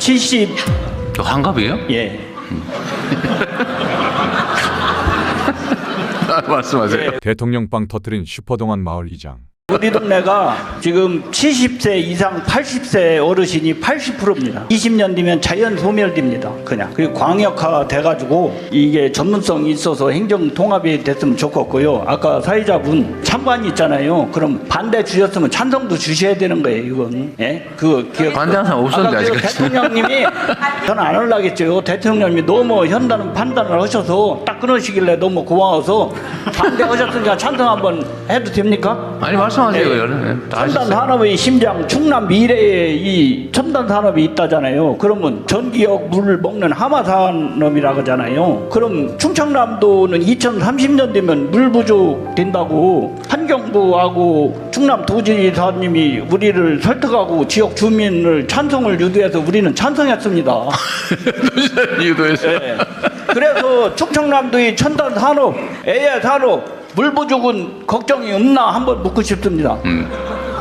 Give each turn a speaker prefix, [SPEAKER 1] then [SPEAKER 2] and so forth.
[SPEAKER 1] 70.
[SPEAKER 2] 환갑이에요?
[SPEAKER 1] 예.
[SPEAKER 2] 말씀하세요.
[SPEAKER 3] 대통령 빵 터뜨린 슈퍼동안 마을 이장.
[SPEAKER 1] 우리 동네가 지금 70세 이상 80세 어르신이 80%입니다. 20년 뒤면 자연 소멸됩니다. 그냥. 그리고 광역화 돼가지고 이게 전문성이 있어서 행정 통합이 됐으면 좋겠고요. 아까 사회자분 찬반이 있잖아요. 그럼 반대 주셨으면 찬성도 주셔야 되는 거예요. 이건. 예?
[SPEAKER 2] 반대하는 사람 없었는데
[SPEAKER 1] 아까
[SPEAKER 2] 아직까지.
[SPEAKER 1] 대통령님이 저는 안 하려겠죠. 대통령님이 너무 현다는 판단을 하셔서 딱 끊으시길래 너무 고마워서 반대하셨으니까 찬성 한번 해도 됩니까?
[SPEAKER 2] 아니 말씀하세요. 다
[SPEAKER 1] 첨단
[SPEAKER 2] 하셨어요.
[SPEAKER 1] 산업의 심장 충남 미래에 이 첨단 산업이 있다잖아요. 그러면 전기역 물을 먹는 하마 산업이라고 하잖아요. 그럼 충청남도는 2030년 되면 물 부족 된다고 환경부하고 충남도지사님이 우리를 설득하고 지역 주민을 찬성을 유도해서 우리는 찬성했습니다.
[SPEAKER 2] 유도했어요.
[SPEAKER 1] 네. 그래서 충청남도의 첨단 산업, AI 산업 물 부족은 걱정이 없나 한번 묻고 싶습니다.